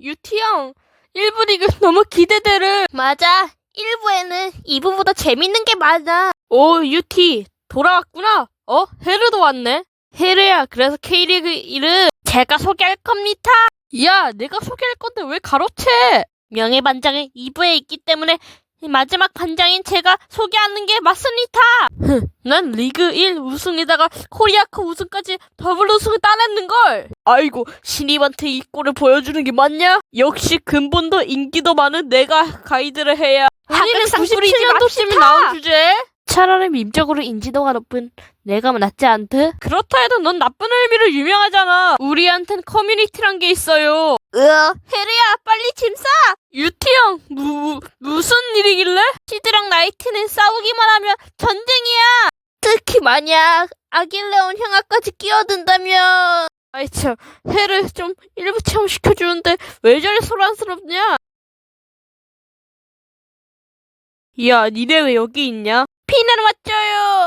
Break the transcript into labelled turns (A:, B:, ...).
A: 유티 형. 1부 리그 너무 기대되는.
B: 맞아. 1부에는 2부보다 재밌는 게 많아.
A: 오, 유티. 돌아왔구나. 헤르도 왔네. 헤르야, 그래서 K리그 1은 제가 소개할 겁니다. 야, 내가 소개할 건데 왜 가로채?
B: 명예반장은 2부에 있기 때문에 마지막 반장인 제가 소개하는 게 맞습니다.
A: 난 리그 1 우승에다가 코리아컵 우승까지 더블 우승을 따냈는걸. 아이고, 신입한테 이 꼴을 보여주는 게 맞냐? 역시 근본도 인기도 많은 내가 가이드를 해야.
B: 하극상 뿌리지
A: 97년도쯤에
B: 맙시다.
A: 나온 주제. 차라리 민적으로 인지도가 높은 내가 낫지 않듯? 그렇다 해도 넌 나쁜 의미로 유명하잖아. 우리한텐 커뮤니티란 게 있어요.
B: 헤르야, 빨리 짐 싸!
A: 유티 형, 무슨 일이길래?
B: 시드랑 나이트는 싸우기만 하면 전쟁이야! 특히 만약 아길레온 형아까지 끼어든다면...
A: 아이 참, 해를 좀 일부 체험 시켜주는데 왜 저리 소란스럽냐? 야, 니네 왜 여기 있냐?
B: 피난 왔죠요!